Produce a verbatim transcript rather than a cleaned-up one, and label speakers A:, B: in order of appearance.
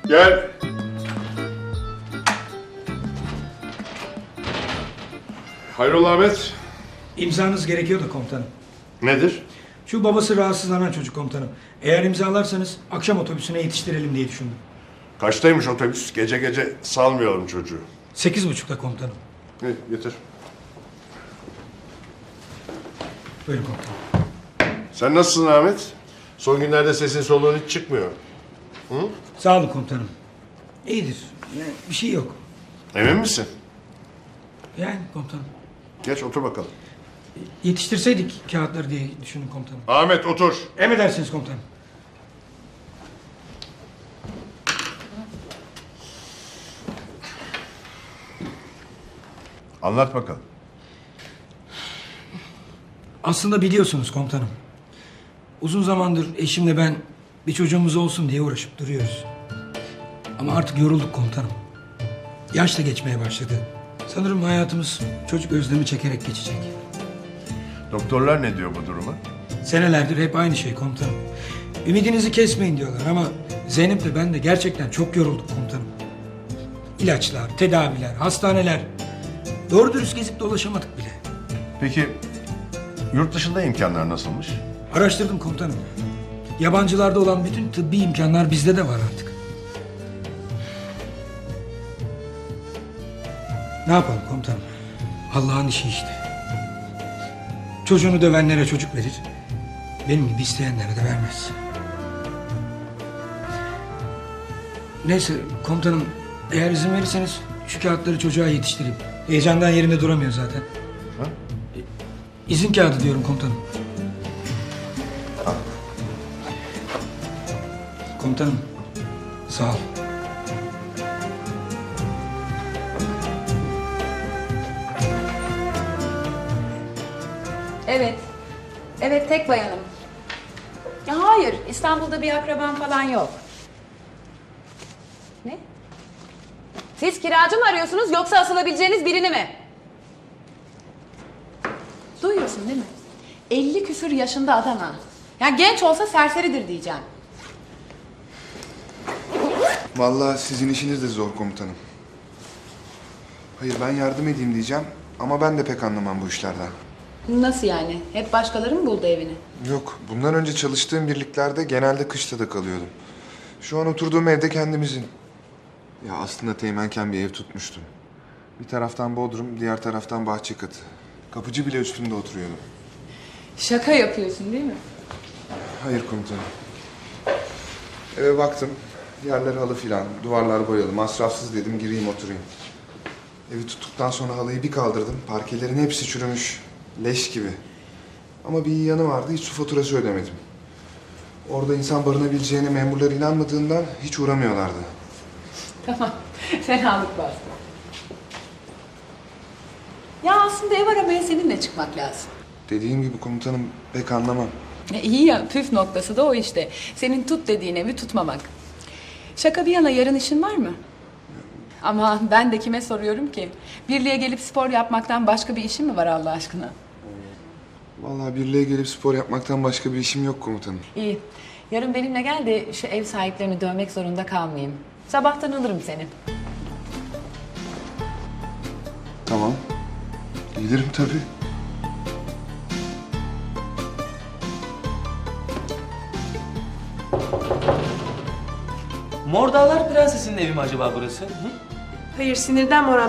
A: Gel. Hayrola Ahmet?
B: İmzanız gerekiyor da komutanım.
A: Nedir?
B: Şu babası rahatsızlanan çocuk komutanım. Eğer imzalarsanız akşam otobüsüne yetiştirelim diye düşündüm.
A: Kaçtaymış otobüs? Gece gece salmayalım çocuğu.
B: Sekiz buçukta komutanım.
A: İyi, getir.
B: Buyurun komutanım.
A: Sen nasılsın Ahmet? Son günlerde sesin soluğun hiç çıkmıyor. Hı?
B: Sağ olun komutanım. İyidir. Yani bir şey yok.
A: Emin misin?
B: Yani komutanım.
A: Geç otur bakalım.
B: Yetiştirseydik kağıtları diye düşündüm komutanım.
A: Ahmet otur.
B: Emredersiniz komutanım.
A: Anlat bakalım.
B: Aslında biliyorsunuz komutanım. Uzun zamandır eşimle ben bir çocuğumuz olsun diye uğraşıp duruyoruz. Ama artık yorulduk komutanım. Yaş da geçmeye başladı. Sanırım hayatımız çocuk özlemi çekerek geçecek.
A: Doktorlar ne diyor bu duruma?
B: Senelerdir hep aynı şey komutanım. Ümidinizi kesmeyin diyorlar ama Zeynep'le ben de gerçekten çok yorulduk komutanım. İlaçlar, tedaviler, hastaneler. Doğru dürüst gezip dolaşamadık bile.
A: Peki yurt dışında imkanlar nasılmış?
B: Araştırdım komutanım. Yabancılarda olan bütün tıbbi imkanlar bizde de var artık. Ne yapalım komutanım? Allah'ın işi işte. Çocuğunu dövenlere çocuk verir. Benim gibi isteyenlere de vermez. Neyse komutanım, eğer izin verirseniz şu kağıtları çocuğa yetiştireyim. Heyecandan yerinde duramıyor zaten.
A: Ha?
B: İzin kağıdı diyorum komutanım. Komutanım, sağ ol.
C: Evet. Evet, tek bayanım. Ya hayır, İstanbul'da bir akraban falan yok. Ne? Siz kiracı mı arıyorsunuz yoksa asılabileceğiniz birini mi? Duyuyorsun değil mi? elli küsür yaşında adam ha. Ya genç olsa serseridir diyeceğim.
D: Vallahi sizin işiniz de zor komutanım. Hayır, ben yardım edeyim diyeceğim ama ben de pek anlamam bu işlerden.
C: Nasıl yani? Hep başkaları mı buldu evini?
D: Yok, bundan önce çalıştığım birliklerde genelde kışta da kalıyordum. Şu an oturduğum evde kendimizin. Ya aslında teğmenken bir ev tutmuştum. Bir taraftan bodrum, diğer taraftan bahçe katı. Kapıcı bile üstünde oturuyordum.
C: Şaka yapıyorsun değil mi?
D: Hayır komutanım. Eve baktım. Yerler halı filan, duvarlar boyalı. Masrafsız dedim, gireyim oturayım. Evi tuttuktan sonra halıyı bir kaldırdım. Parkelerin hepsi çürümüş. Leş gibi. Ama bir iyi yanı vardı, hiç su faturası ödemedim. Orada insan barınabileceğine memurlar inanmadığından hiç uğramıyorlardı.
C: Tamam, fenalık bastı. Ya aslında ev aramaya seninle çıkmak lazım.
D: Dediğim gibi komutanım, pek anlamam.
C: E, iyi ya, püf noktası da o işte. Senin tut dediğin evi tutmamak. Şaka bir yana, yarın işin var mı? Ama ben de kime soruyorum ki? Birliğe gelip spor yapmaktan başka bir işin mi var Allah aşkına?
D: Vallahi birliğe gelip spor yapmaktan başka bir işim yok komutanım.
C: İyi. Yarın benimle gel de şu ev sahiplerini dövmek zorunda kalmayayım. Sabahtan alırım seni.
D: Tamam. Gelirim tabii.
E: Mor Dağlar Prensesi'nin evi mi acaba burası? Hı?
F: Hayır, sinirden moral